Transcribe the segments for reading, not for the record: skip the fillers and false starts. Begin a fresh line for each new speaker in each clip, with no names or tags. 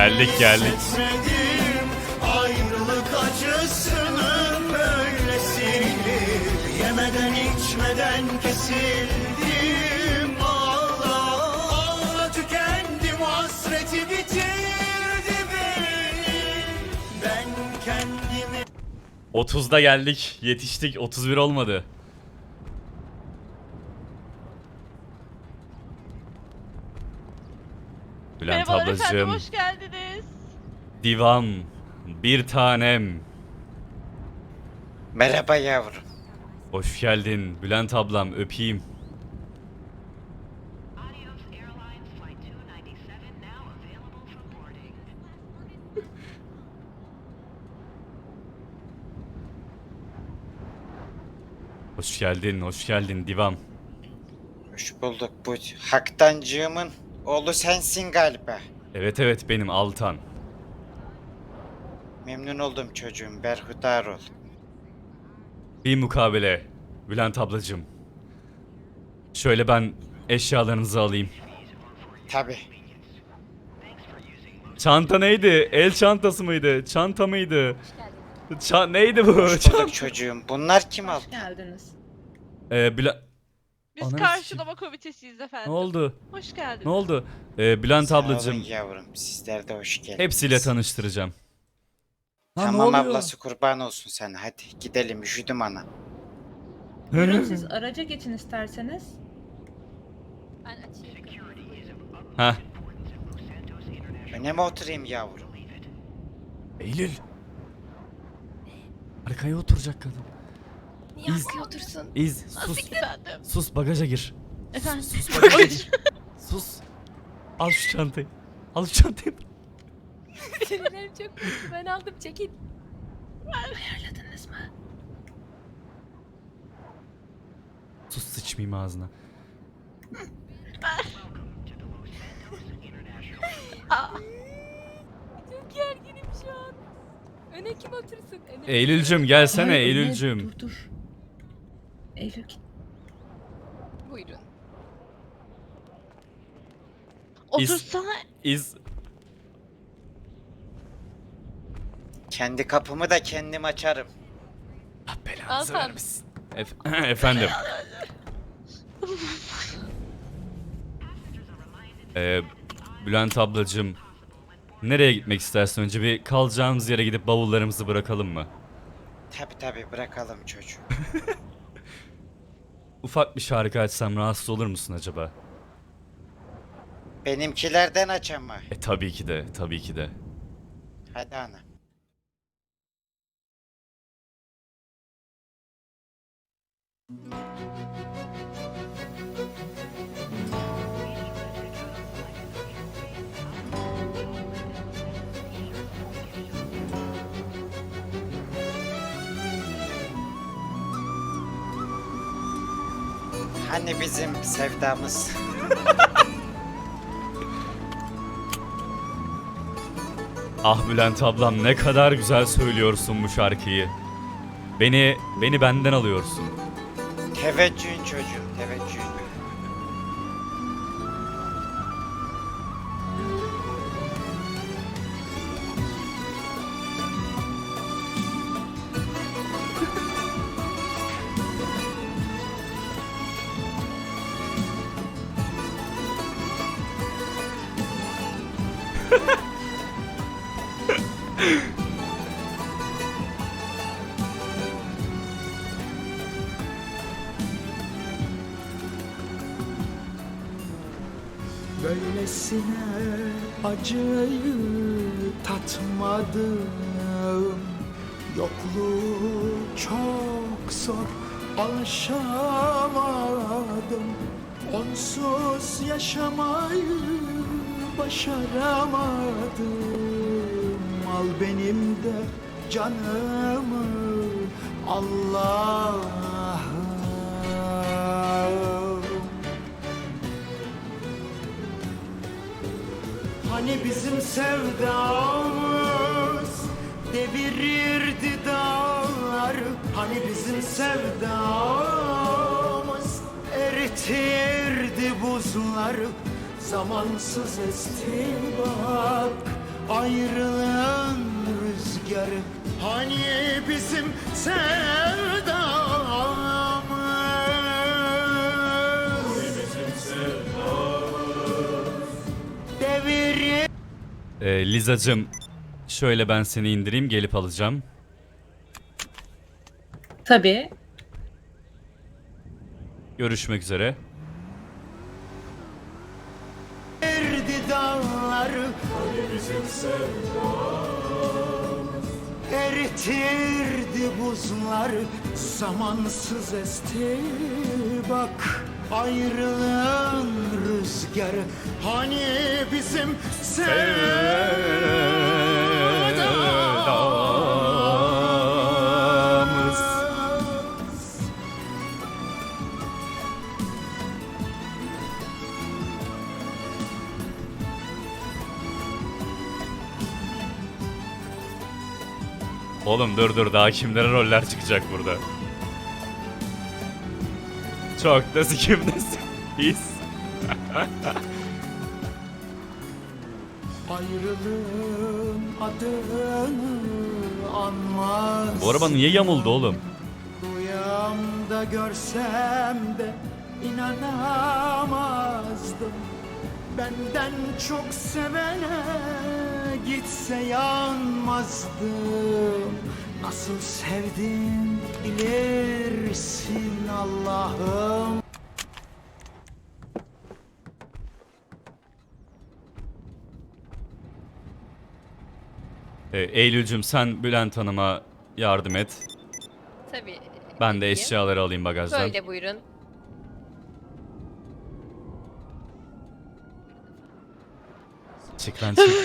Geldik geldik.
Hissetmedim ayrılık acısını böylesini. Yemeden içmeden kesildim. Ağla ağla tükendim, hasreti bitirdi beni. Ben kendimi
30'da geldik. Yetiştik. 31 olmadı. Bülent
Merhabalar efendim,
ablacığım.
hoş geldiniz.
Divan. Bir tanem.
Merhaba yavrum.
Hoş geldin. Bülent ablam öpeyim.
Adios Airlines Flight 297 now available for boarding.
Hoş geldin. Hoş geldin divam.
Hoş bulduk. Bu Haktancığımın oğlu sensin galiba.
Evet evet benim Altan.
Memnun oldum çocuğum. Berhudar ol.
Bir mukabele. Bülent ablacığım. Şöyle ben eşyalarınızı alayım.
Tabi.
Çanta neydi? El çantası mıydı? Çanta mıydı? Neydi bu?
Hoş bulduk çocuğum. Bunlar kim aldı?
Hoş geldiniz.
Bülent...
Biz
Ananı
karşılama komitesiyiz efendim.
Ne oldu?
Hoş geldiniz.
Ne oldu? Bülent
Sağ olun
ablacığım
yavrum. Sizler de hoş geldiniz.
hepsiyle tanıştıracağım. Lan ne
Tamam
oluyor?
ablası, kurban olsun sana. Hadi gidelim, üşüdüm ana.
Buyurun siz araca geçin isterseniz.
Ben açayım.
Heh.
Öne mi oturayım yavrum?
Eylül. Arkaya oturacak kadın.
Niye
İz.
arkaya otursun?
İz sus.
Efendim.
Sus bagaja gir.
Efendim.
Sus bagaja gir. Sus. Al şu çantayı. Al şu çantayı.
Sinirlerim çok kötü. Ben aldım, çekin.
Ayarladınız mı?
Sus sıçmayayım ağzına.
Çok gerginim şu an. Öne kim otursun? Öne.
Eylülcüm gelsene
Hayır,
Eylülcüm.
Dur dur. Eylül git.
Buyurun.
Otursana.
İz.
Kendi kapımı da kendim açarım.
Allah belanızı
Altan.
vermesin. Efendim. Bülent ablacığım. Nereye gitmek istersin? Önce bir kalacağımız yere gidip bavullarımızı bırakalım mı?
Tabi bırakalım çocuğum.
Ufak bir şarkı açsam rahatsız olur musun acaba?
Benimkilerden aç ama.
Tabii ki de, tabii ki de.
Hadi ana. Hani bizim sevdamız?
Ah Bülent ablam ne kadar güzel söylüyorsun bu şarkıyı. Beni benden alıyorsun.
Teveccühün çocuğum, teveccühün.
böylesine acıyı tatmadım. Yokluğu çok zor, alışamadım. Onsuz yaşamayı başaramadım. Al benim de canımı Allah'ım. Hani bizim sevdamız devirirdi dağlar. Hani bizim sevdamız eritirdi buzlar. Zamansız esti bak ayrılığın rüzgarı. Hani bizim sevdamız devir.
Lizacım, şöyle ben seni indireyim, gelip alacağım.
Tabii.
Görüşmek üzere.
Erdi dağları eritirdi buzları, zamansız esti bak ayrılığın rüzgarı. Hani bizim sevdamız.
Oğlum dur daha kimlere roller çıkacak burada. Çok da sikimdesin. His.
Ayrılığın adını anmaz.
Bu araba niye yamuldu oğlum?
Rüyamda görsem de inanamazdım. Benden çok sevene gitse yanmazdım. Nasıl sevdim bilirsin Allah'ım.
Eylül'cüm sen Bülent Hanım'a yardım et.
Tabii.
Ben de
edeyim.
eşyaları alayım bagajdan.
Böyle buyurun.
Çık lan çık.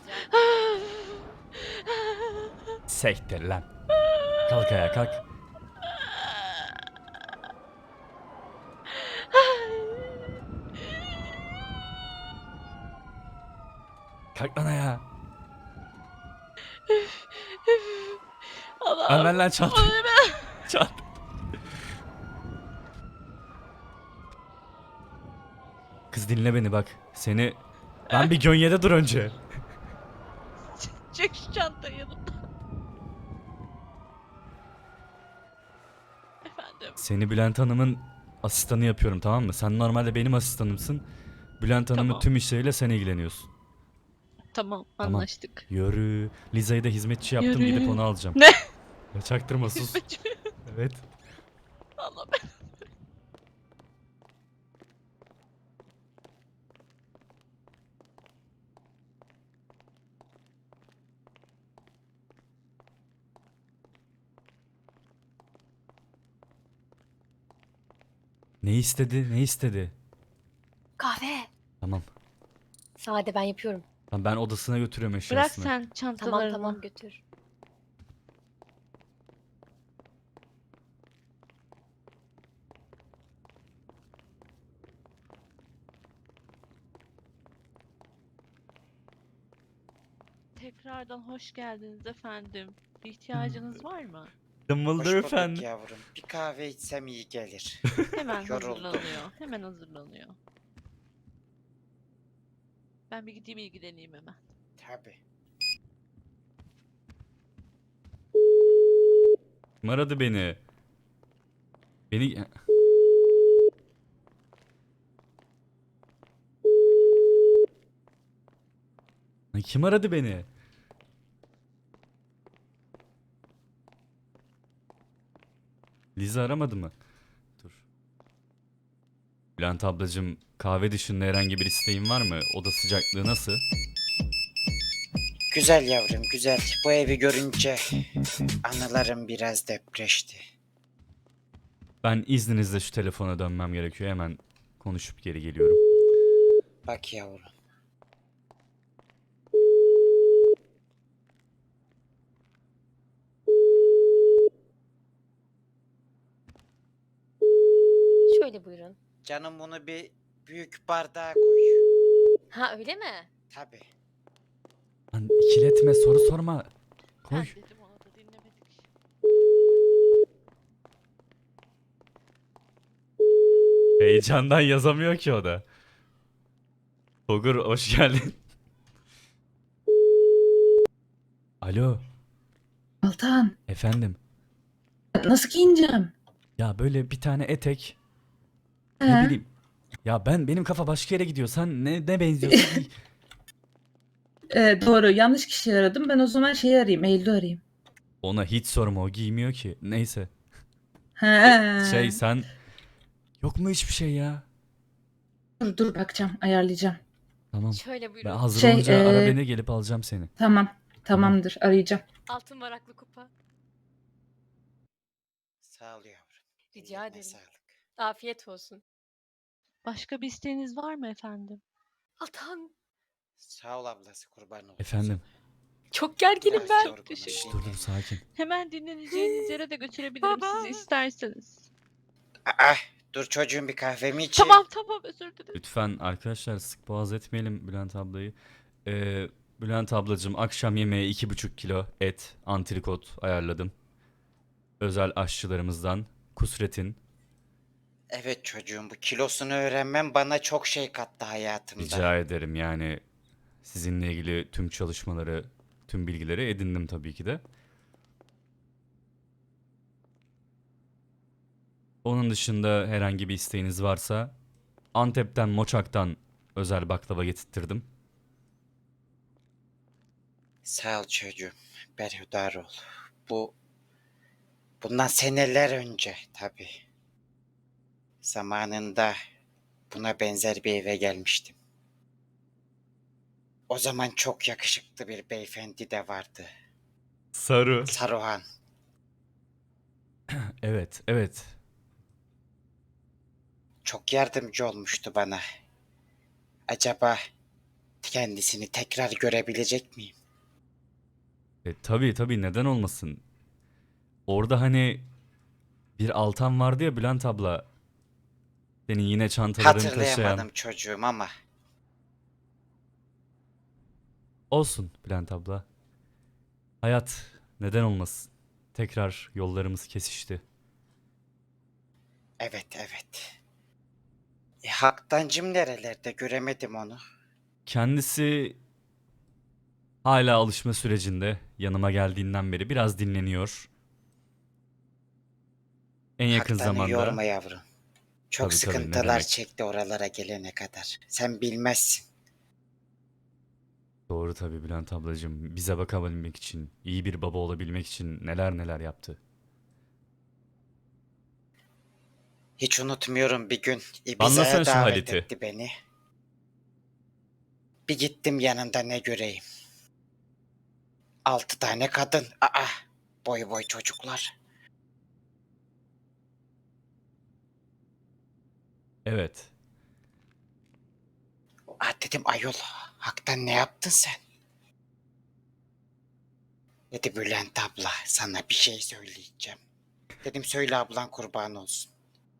Sektir lan. Kalk ayağa kalk. Kalk lan ayağa.
Allah'ım.
Ver lan çant. Çant. Kız dinle beni bak. Seni... Ben bir gönyede dur önce.
Çek şu çantayı yanımdan. Efendim.
Seni Bülent Hanım'ın asistanı yapıyorum, tamam mı? Sen normalde benim asistanımsın. Bülent Hanım'ın
Tamam.
tüm işleriyle sen ilgileniyorsun.
Tamam,
Tamam.
anlaştık.
Yürü. Liza'yı da hizmetçi yaptım,
Yürü.
gidip onu alacağım.
Ne?
Ya çaktırma sus.
Hizmetçi mi?
Evet.
Allah ben.
Ne istedi? Ne istedi?
Kahve.
Tamam.
Sade ben yapıyorum.
Tamam, ben odasına götürüyorum
Bırak
eşyasını.
sen çantalarını.
Tamam götür.
Tekrardan hoş geldiniz efendim. Bir ihtiyacınız var mı?
Hoş
Dımbıldır
bulduk
efendim.
yavrum. Bir kahve içsem iyi gelir.
Hemen
Yoruldum.
hazırlanıyor. Hemen hazırlanıyor. Ben bir gideyim ilgileneyim hemen.
Tabii.
Kim aradı beni? Beni... Lan kim aradı beni? Liza aramadı mı? Dur. Bülent ablacığım, kahve dışında herhangi bir isteğin var mı? Oda sıcaklığı nasıl?
Güzel yavrum güzel. Bu evi görünce anılarım biraz depreşti.
Ben izninizle şu telefona dönmem gerekiyor. Hemen konuşup geri geliyorum.
Bak yavrum.
Şöyle buyurun.
Canım bunu bir büyük bardağa koy.
Ha öyle mi?
Tabii.
Lan ikiletme, soru sorma. Koy.
Ben dedim ona da dinlemedik.
Heyecandan yazamıyor ki o da. Togur hoş geldin. Alo,
Altan,
efendim.
nasıl giyineceğim?
Ya böyle bir tane etek,
He?
ne bileyim. Ya benim kafa başka yere gidiyor. Sen ne benziyorsun? giy.
Doğru, yanlış kişiyi aradım. Ben o zaman şeyi arayayım, Eylül'ü arayayım.
Ona hiç sorma, o giymiyor ki. Neyse.
He.
Sen yok mu hiçbir şey ya?
Dur bakacağım, ayarlayacağım.
Tamam.
Şöyle
Ben
buyurun.
hazır
Şey,
olunca ara beni, gelip alacağım seni.
Tamam, tamamdır, arayacağım.
Altın varaklı kupa.
Sağ ol yavrum.
Rica
Ellerine
ederim.
sağlık.
Afiyet olsun.
Başka bir isteğiniz var mı efendim?
Altan.
Sağ ol ablası, kurban olsun.
Efendim.
Çok gerginim
Biraz
ben.
yorgunum,
teşekkür
Şşş,
dinleneyim.
dur sakin.
Hemen dinleneceğiniz yere de götürebilirim sizi isterseniz.
Aa, dur çocuğum, bir kahvemi içeyim.
Tamam özür dilerim.
Lütfen arkadaşlar, sık boğaz etmeyelim Bülent ablayı. Bülent ablacığım, akşam yemeği 2,5 kilo et, antrikot ayarladım. Özel aşçılarımızdan Kusret'in.
Evet çocuğum, bu kilosunu öğrenmem bana çok şey kattı hayatımda.
Rica ederim, yani sizinle ilgili tüm çalışmaları, tüm bilgileri edindim tabii ki de. Onun dışında herhangi bir isteğiniz varsa Antep'ten, Moçak'tan özel baklava getirttirdim.
Sağ ol çocuğum, berhudar ol. Bundan seneler önce tabii. Zamanında buna benzer bir eve gelmiştim. O zaman çok yakışıklı bir beyefendi de vardı.
Sarı.
Saruhan.
Evet.
Çok yardımcı olmuştu bana. Acaba kendisini tekrar görebilecek miyim?
Tabii, neden olmasın? Orada hani bir Altan vardı ya Bülent abla. Senin yine çantalarını
Hatırlayamadım
taşıyan.
çocuğum ama
Olsun Bülent abla. Hayat, neden olmasın? Tekrar yollarımız kesişti.
evet. Haktancım nerelerde, göremedim onu.
Kendisi hala alışma sürecinde. Yanıma geldiğinden beri biraz dinleniyor. En yakın
Haktanı
zamanda.
yorma yavrum. Çok
Tabii, ne
sıkıntılar
demek.
çekti oralara gelene kadar. Sen bilmezsin.
Doğru tabii Bülent ablacığım. Bize bakabilmek için, iyi bir baba olabilmek için neler yaptı.
Hiç unutmuyorum, bir gün
Anlasana
Ibiza'ya
şu
davet
haleti.
etti beni. Bir gittim, yanında ne göreyim. 6 tane kadın. Boy çocuklar.
Evet.
Dedim, ayol, haktan ne yaptın sen? Dedi, Bülent abla, sana bir şey söyleyeceğim. Dedim, söyle ablan, kurban olsun.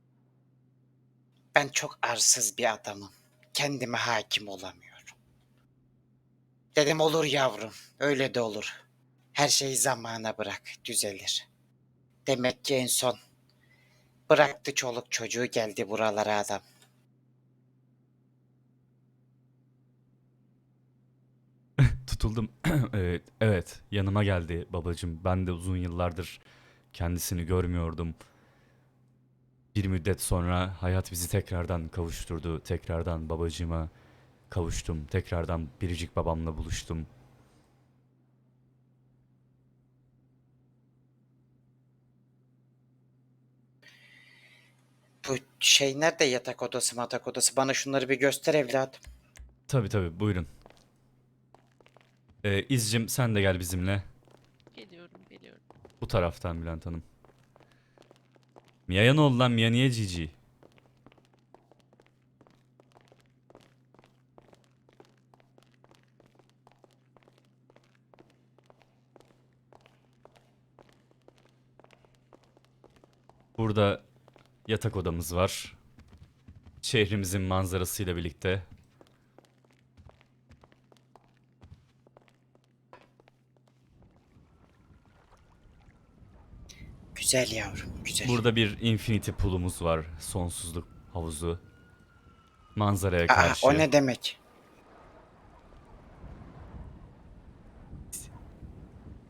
Ben çok arsız bir adamım. Kendime hakim olamıyorum. Dedim, olur yavrum, öyle de olur. Her şeyi zamana bırak, düzelir. Demek ki en son bıraktı çoluk çocuğu, geldi buralara adam.
Tutuldum. Evet, yanıma geldi babacığım. Ben de uzun yıllardır kendisini görmüyordum. Bir müddet sonra hayat bizi tekrardan kavuşturdu. Tekrardan babacığıma kavuştum. Tekrardan biricik babamla buluştum.
Bu şey nerede, yatak odası matak odası? Bana şunları bir göster evladım.
Tabii, buyurun. İzcim, sen de gel bizimle.
Geliyorum.
Bu taraftan Bülent Hanım. Mia'ya ne oldu lan? Mia niye cici? Burada yatak odamız var. Şehrimizin manzarasıyla birlikte.
Güzel yavrum, güzel.
Burada bir infinity pool'umuz var. Sonsuzluk havuzu. Manzaraya karşı.
O ne demek?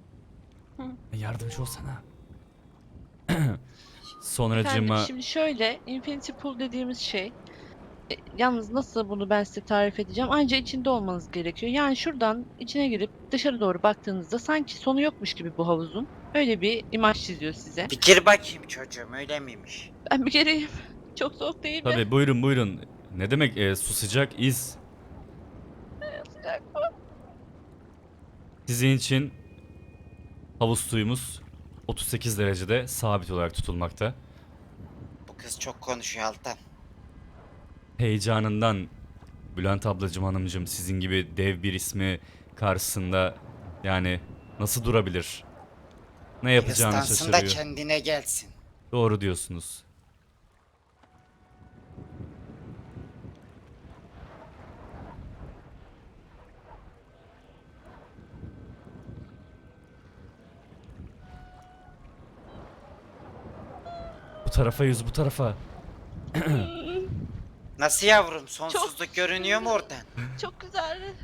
yardımcı olsana.
Efendim
Sonracığıma
şimdi şöyle Infinity Pool dediğimiz şey yalnız nasıl bunu ben size tarif edeceğim? Anca içinde olmanız gerekiyor. Yani şuradan içine girip dışarı doğru baktığınızda sanki sonu yokmuş gibi bu havuzun. Öyle bir imaj çiziyor size.
Bir gir bakayım çocuğum, öyle miymiş?
Ben bir gireyim. Çok soğuk değil mi?
tabii buyurun buyurun. Ne demek su sıcak iz.
Sıcak.
Sizin için havuz suyumuz 38 derecede sabit olarak tutulmakta.
Bu kız çok konuşuyor Altan.
Heyecanından Bülent ablacım hanımcım sizin gibi dev bir ismi karşısında yani nasıl durabilir? Ne yapacağını
Hıstansın da
şaşırıyor.
kendine gelsin.
Doğru diyorsunuz. Bu tarafa yüz, bu tarafa.
Nasıl yavrum, sonsuzluk görünüyor mu oradan?
Çok güzel.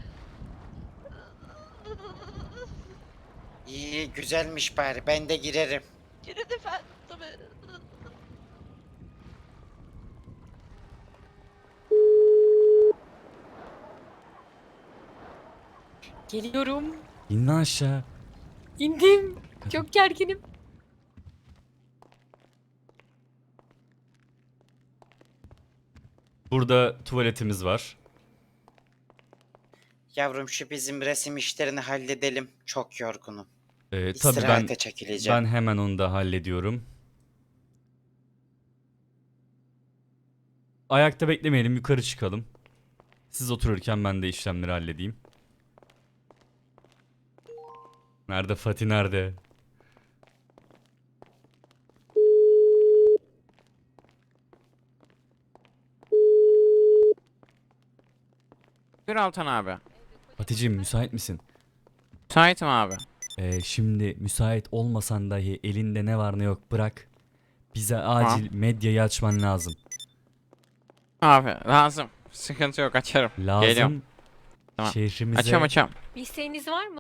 İyi, güzelmiş bari, ben de girerim.
Girin efendim tabii.
Geliyorum.
İn lan aşağı.
İndim. Çok gerginim.
Burada tuvaletimiz var.
Yavrum şu bizim resim işlerini halledelim. Çok yorgunum.
Tabii ben
İstirahate çekileceğim.
ben hemen onu da hallediyorum. Ayakta beklemeyelim, yukarı çıkalım. Siz otururken ben de işlemleri halledeyim. Nerede Fatih nerede?
Buyur Altan abi.
Fatih'ciğim müsait misin?
Müsaitim abi.
Şimdi müsait olmasan dahi elinde ne var ne yok bırak. Bize acil medyayı açman lazım.
Abi lazım. Sıkıntı yok, açarım.
Lazım.
Geliyorum. Tamam.
Şehrimize
Açıyorum.
Bir isteğiniz var mı?